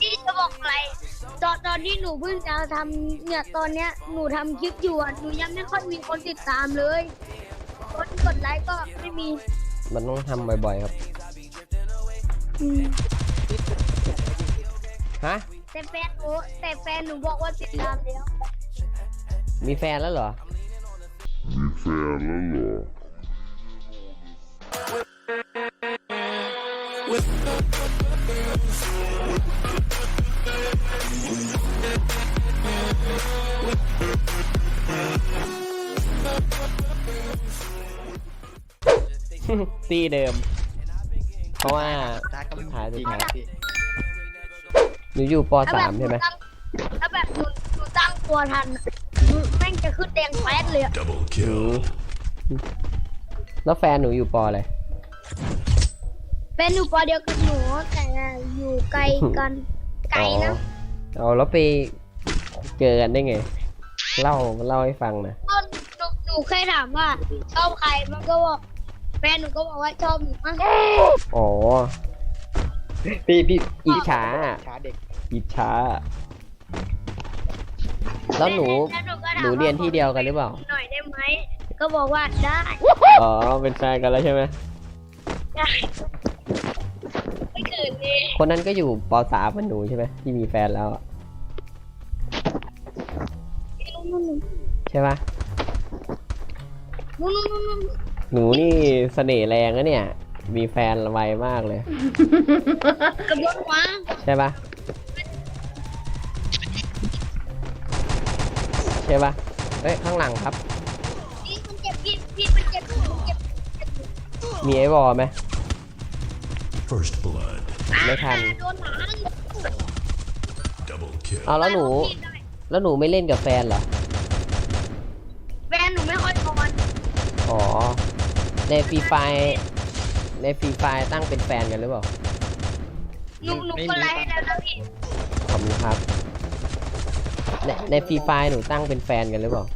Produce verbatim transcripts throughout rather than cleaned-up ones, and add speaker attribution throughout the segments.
Speaker 1: พี่จะบอกอะไรตอนตอนที่หนูเพิ่งจะทำเนี่ยตอนเนี้ยหนูทำคลิปอยู่อ่ะหนูยังไม่ค่อยมีคนติดตามเลยคนกดไลค์ก็ไม่มี
Speaker 2: มันต้องทำบ่อยๆครับฮะ
Speaker 1: แต่แฟนหนูแต่แฟนหนูบอกว่าติดตามแล้ว
Speaker 2: มีแฟนแล้วเหรอ
Speaker 3: มีแฟนแล้วเหรอ
Speaker 2: ตีเดิมเพราะว่าถ่ายสุดท้ายหนูอยู่ป .สาม ใช่ไหม
Speaker 1: ถ้าแบบหนูหนูตั้งตัวทันหนูแม่งจะขึ้นแดงแป๊ดเลย
Speaker 2: แล้วแฟนหนูอยู่ปอะไร
Speaker 1: แฟนหนูปเดียวกับหนูแต่อยู่ไกลกันไกลนะ
Speaker 2: เอาแล้วไปเจอกันได้ไงเล่าเล่าให้ฟังนะ
Speaker 1: หนูหนูเคยถามว่าชอบใครมันก็บอกแฟนหนูก็บอกว่าชอบหนูมั้ง
Speaker 2: อ๋อพี่พี่อิจฉาเด็กอิจฉาแล้วหนูหนูเรียนที่เดียวกันหรือเปล่า
Speaker 1: หน่อยได้ไหมก็บอกว่าได้
Speaker 2: อ๋อเป็นแฟนกันแล้วใช่ไหม
Speaker 1: ได้ไม่เกิดเลย
Speaker 2: คนนั้นก็อยู่ป .สาม เหมือนหนูใช่ไหมที่มีแฟนแล้วใช่ปะหนูนี่เสน่ห์แรงนะเนี่ยมีแฟนไวมากเลย
Speaker 1: กระโดดวะ
Speaker 2: ใช่ปะใช่ปะเฮ้ยข้างหลังครับ
Speaker 1: พี่มันเจ็บพี่พี่มันเจ็บมันเจ็บ
Speaker 2: มีไอ้บอไหม
Speaker 4: First blood
Speaker 2: ไม่ทัน
Speaker 1: โดนหลัง
Speaker 4: Double kill
Speaker 2: เอาแล้วหนูแล้วหนูไม่เล่นกับแฟนเหรอ
Speaker 1: แฟนหนูไม่ค่อยทอน
Speaker 2: อ๋อในฟรีไฟในฟรีไฟตั้งเป็นแฟนกันหรือเปล่า
Speaker 1: หนูหนูก็ไลฟ์ให้แล้วนะพี่
Speaker 2: ขอบคุณครับในในฟรีไฟหนูตั้งเป็นแฟนกันหรือเปล่า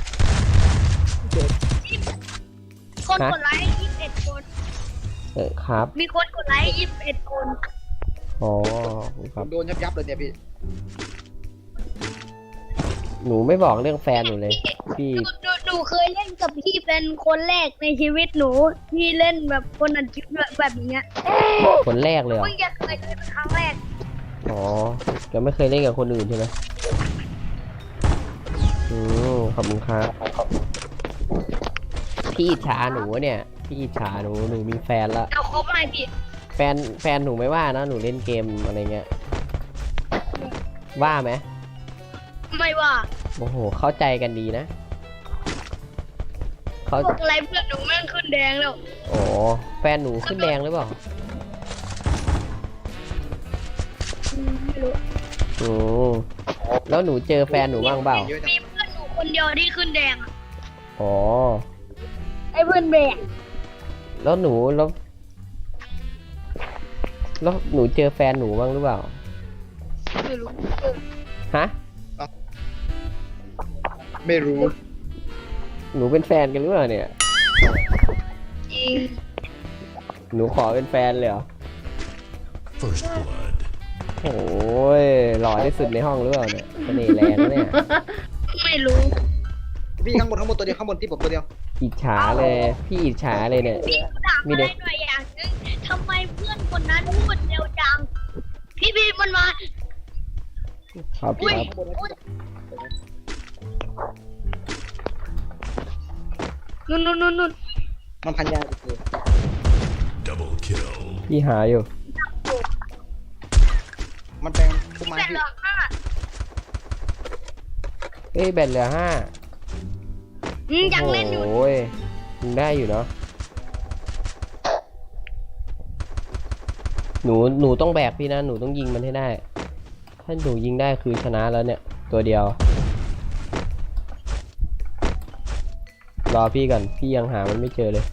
Speaker 1: คนกดไลค์ยี่สิบเอ็ดคน
Speaker 2: เออครับ
Speaker 1: มีคนกดไลค์ยี่สิบเอ็ดคน
Speaker 2: อ๋อครับ
Speaker 5: โดนยับยับเลยเนี่ยพี่
Speaker 2: หนูไม่บอกเรื่องแฟนหนูเลยพี่
Speaker 1: หนูหนูเคยเล่นกับพี่เป็นคนแรกในชีวิตหนูที่เล่นแบบคนอัดคลิปแบบนี้
Speaker 2: คนแรกเลยเหรอ
Speaker 1: เพิ่งจะเคยเล่นเป็นครั้งแรก
Speaker 2: อ๋อจะไม่เคยเล่นกับคนอื่นใช่ไหมอืมขอบคุณครับพี่อิจฉาหนูเนี่ยพี่อิจฉาหนูหนูมีแฟนแล้ว
Speaker 1: เอาครบไหมพี่
Speaker 2: แฟนแฟนหนูไม่ว่านะหนูเล่นเกมอะไรเงี้ยว่าไหม
Speaker 1: ไม่ว่า
Speaker 2: โอ้โหเข้าใจกันดีนะ
Speaker 1: เขาอะไรเพื่อนหนูแม่งขึ้นแดงแล้ว
Speaker 2: โอ้แฟนหนูขึ้นแดงหรือเปล่า
Speaker 1: ไม่รู้
Speaker 2: อืมแล้วหนูเจอแฟนหนูบ้างเปล่า
Speaker 1: มีเพื่อนหนูคนเดียวที่ขึ้นแดง
Speaker 2: อ๋อ
Speaker 1: ไอ้เพื่อนแบก
Speaker 2: แล้วหนูแล้วแล้วหนูเจอแฟนหนูบ้างหรือเปล่า
Speaker 1: ไม่รู้
Speaker 2: ฮะ
Speaker 5: ไม่รู้
Speaker 2: หนูเป็นแฟนกันหรือเปล่าเนี่ย
Speaker 1: จริง
Speaker 2: หนูขอเป็นแฟนเลยเหรอ
Speaker 4: First blood
Speaker 2: โอ้ยหล่อที่สุดในห้องหรือเปล่าเนี่ยเสน่ห์แรงเนี่ย
Speaker 1: ไม่รู้
Speaker 5: พี่ข้างบนข้างบนตัวเดียวข้างบนที่ผมตัวเดียว
Speaker 2: อิจฉาเลยพี่อิจฉาเลยเนี่ย
Speaker 1: พี่ถามอะไรหน่อยอย่างนึงทำไมเพื่อนคนนั้นพูดเร็วจังพี่พี่มันมา
Speaker 2: ครับครับ
Speaker 1: นู่นนู่นนู่นนู่น
Speaker 5: มันพันยาเลย
Speaker 4: Double kill
Speaker 2: พี่หาอยู่
Speaker 5: มันแปลงต้นไม้พี่
Speaker 2: เอ้ยแบตเหลือห้า
Speaker 1: ยังเล่นอยู่
Speaker 2: โอ้ยยังได้อยู่เนาะหนูหนูต้องแบกพี่นะหนูต้องยิงมันให้ได้ถ้าหนูยิงได้คือชนะแล้วเนี่ยตัวเดียวรอพี่ก่อนพี่ยังหามันไม่เจอเลย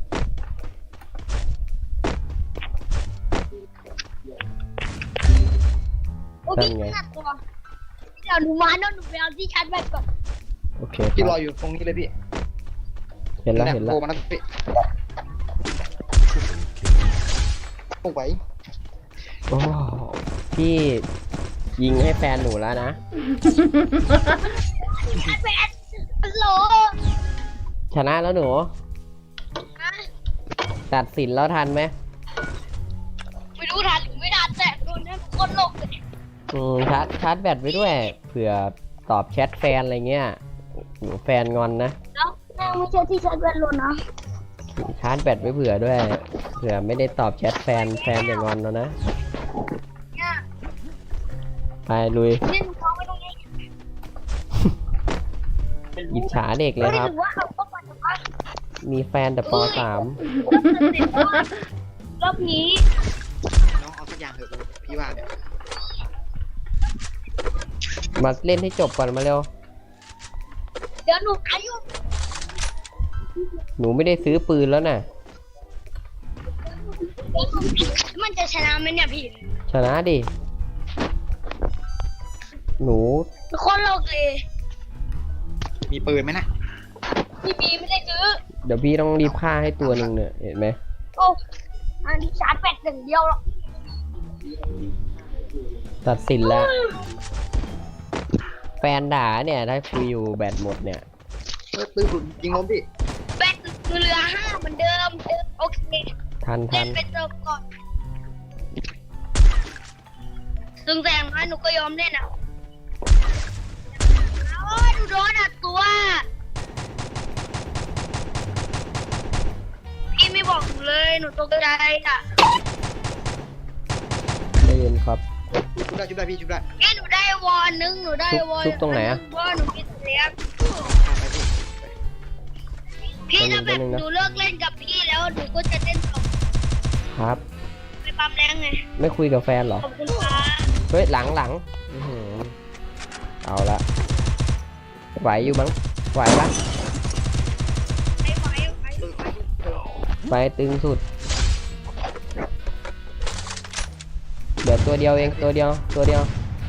Speaker 1: นั่นไงเดี๋ยวหนูมาแล้วหนูไปเอาที่ชาร์จแบตก่อน
Speaker 2: โอเค
Speaker 5: พี่รออยู่ตรงนี้เลยพี่
Speaker 2: เห็นแล้วเห็นแล้ว
Speaker 5: โผล่มาแล้วพี่โอ้ไหว
Speaker 2: โอ้พี่ยิงให้แฟนหนูแล้วนะ
Speaker 1: แฟนฮัลโหล
Speaker 2: ชนะแล้วหนู
Speaker 1: ฮะ
Speaker 2: ตัดสินแล้วทันไหม
Speaker 1: ไม่รู้ทันหรือไม่ทันแต่โดนนั่นคนหลกเลย
Speaker 2: อืมชาร์จชาร์จแบตไว้ด้วย เผื่อตอบแชทแฟนอะไรเงี้ยหนูแฟนงอนนะ
Speaker 1: แล้วแม่ไม่ใช่ที่ใช้เวลานะ
Speaker 2: ชาร์จแบตไว้เผื่อด้วย เผื่อไม่ได้ตอบแชทแฟนแฟนอย่างงอนแล้วนะ
Speaker 1: เนี่ย
Speaker 2: ไปลุย
Speaker 1: เล่นเขาไม่ต้องเล่น
Speaker 2: อิจฉาเด็กเลย
Speaker 1: ไม่
Speaker 2: ครับ
Speaker 1: ถือว่าเขาต้องมาจากบ้าน
Speaker 2: มีแฟนแต่ปสาม
Speaker 1: รอบนี้
Speaker 5: น้องเอาสักอย่างเถอะพี่ว่าเนี่ย
Speaker 2: มาเล่นให้จบก่อนมาเร็ว
Speaker 1: เดี๋ยวหนูอายุ
Speaker 2: หนูไม่ได้ซื้อปืนแล้วน่ะ
Speaker 1: มันจะชนะไหมเนี่ยพี่
Speaker 2: ชนะดิ หนู
Speaker 1: คนหลกเลย
Speaker 5: มีปืนไหมนะ
Speaker 1: พี่บีไม่ได้ซื้อ
Speaker 2: เดี๋ยวพี่ต้องรีบฆ่าให้ตัวหนึ่งเนี่ยเห็นไหม
Speaker 1: โอ้อันนี้ชาร์จแบตหนึ่งเดียวหรอก
Speaker 2: ตัดสินแล้ว แฟนด่าเนี่ยถ้าคุยอยู่แบตหมดเนี่ย
Speaker 5: เฮ้ยปืนผมยิงล้มพี่
Speaker 1: แบตเหลือห้าเหมือนเดิม โอเค
Speaker 2: ทัน
Speaker 1: เล่
Speaker 2: ทั
Speaker 1: น
Speaker 2: น
Speaker 1: ไปเติมก่อนซึ่งแสงน้อยหนูก็ยอมเล่นอ่ะโอ้ยหนูโดนอัดตัว พี่ไม่บอกหนูเลย หนูตกใจอ่ะ
Speaker 2: ได้ยินครับ
Speaker 5: ชุบได้ชุบได้พี่ชุบได้
Speaker 1: แค่หนูได้วอลนึง หนูได้วอล
Speaker 2: ชุบตรงไหนอะ
Speaker 1: ว่าหนูคิดเลี้ยง
Speaker 5: ไปพี่
Speaker 1: พี่ถ้าแบบ
Speaker 2: แป๊บนึงนะ
Speaker 1: หนูเลิกเล่นกับพี่แล้วหนูก็จะเล่นต่อ
Speaker 2: ครับ
Speaker 1: ไปปั๊มแรงไง
Speaker 2: ไม่คุยกับแฟนเหรอ
Speaker 1: ขอบคุณค่ะ
Speaker 2: เฮ้ยหลังหลังอื้อหือเอาละไหวอยู่มั้งไหวปะ
Speaker 1: ไอ้ไหวไหว
Speaker 5: ปืนไปพี่
Speaker 2: ไฟตึงสุดเดี๋ยวตัวเดียวเองตัวเดียวตัวเดียว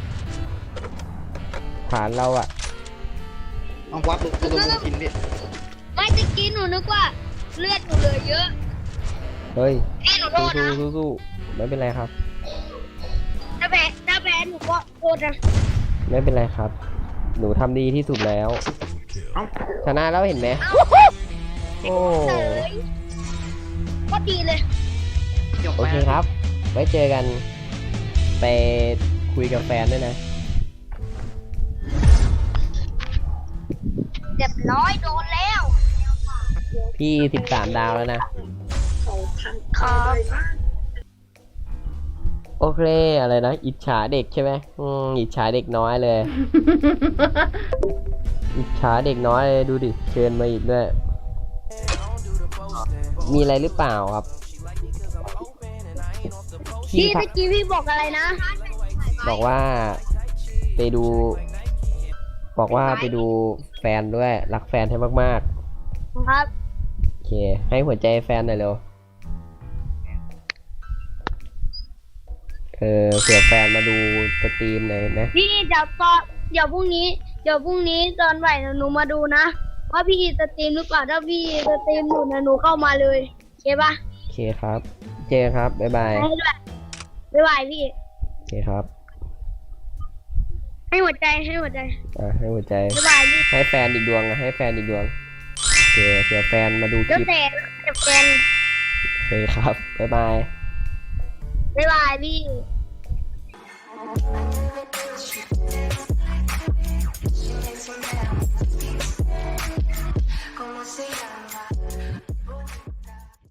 Speaker 2: ฐานเราอะ
Speaker 5: เอาวัดปืนปืนลงกินพี่
Speaker 1: ไม่ตะกี้หนูนึกว่าเลือดหนูเหลือเยอะ
Speaker 2: เฮ้ย
Speaker 1: พี่หนูโท
Speaker 2: สู้
Speaker 1: ษนะ
Speaker 2: สู้สู้สู้ไม่เป็นไรครับ
Speaker 1: ถ้าแพ้ถ้าแพ้หนูก็โทษนะ
Speaker 2: ไม่เป็นไรครับ หนูทำดีที่สุดแล้ว
Speaker 5: เอ้า
Speaker 2: ชนะแล้วเห็นไหมโอ้
Speaker 1: เต๋ยก็ดีเลย
Speaker 5: เดี๋ยว
Speaker 2: โอ
Speaker 5: ไป
Speaker 2: เคครับ ไว้เจอกัน ไปคุยกับแฟนด้วยนะ
Speaker 1: เรียบร้อยโดนแล้ว
Speaker 2: พี่สิบสามดาวแล้วนะ
Speaker 1: ครับ
Speaker 2: โอเคอะไรนะ อิจฉาเด็กใช่ไหมอืมอิจฉาเด็กน้อยเลย อิจฉาเด็กน้อยเลยดูดิเชิญมาอีกด้วย มีอะไรหรือเปล่าครับ
Speaker 1: พี่
Speaker 2: ทั
Speaker 1: ตะกี้พี่บอกอะไรนะ
Speaker 2: บอกว่าไปดู บอกว่าไปดูแฟนด้วย รักแฟนให้มาก
Speaker 1: ครับ
Speaker 2: ๆ โอเค ให้หัวใจแฟนหน่อยเร็ว เออเผื่อแฟนมาดูสตรีมหน่อยเห็นไหม
Speaker 1: พี่เดี๋ยวตอนเดี๋ยวพรุ่งนี้เดี๋ยวพรุ่งนี้ตอนบ่ายหนูมาดูนะว่าพี่สตรีมหรือเปล่าถ้าพี่สตรีมหนูนะหนูเข้ามาเลยโอเคปะ
Speaker 2: โอเคครับ เจอครับ บ๊ายบาย
Speaker 1: ให้ด้วยบ๊ายบายพี่
Speaker 2: โอเคครับ
Speaker 1: ให้หัวใจให้หัวใจ
Speaker 2: อ่ะให้หัวใจ
Speaker 1: บ๊ายบายพี่
Speaker 2: ให้แฟนอีกดวงอ่ะให้แฟนอีกดวง โอเคเผื่อแฟนมาดูค
Speaker 1: เดี๋ยว
Speaker 2: ลิป
Speaker 1: แต่เดี๋ยวแฟน
Speaker 2: โอเคครับ บ๊ายบาย
Speaker 1: บ๊ายบายพี่
Speaker 6: Como se llama?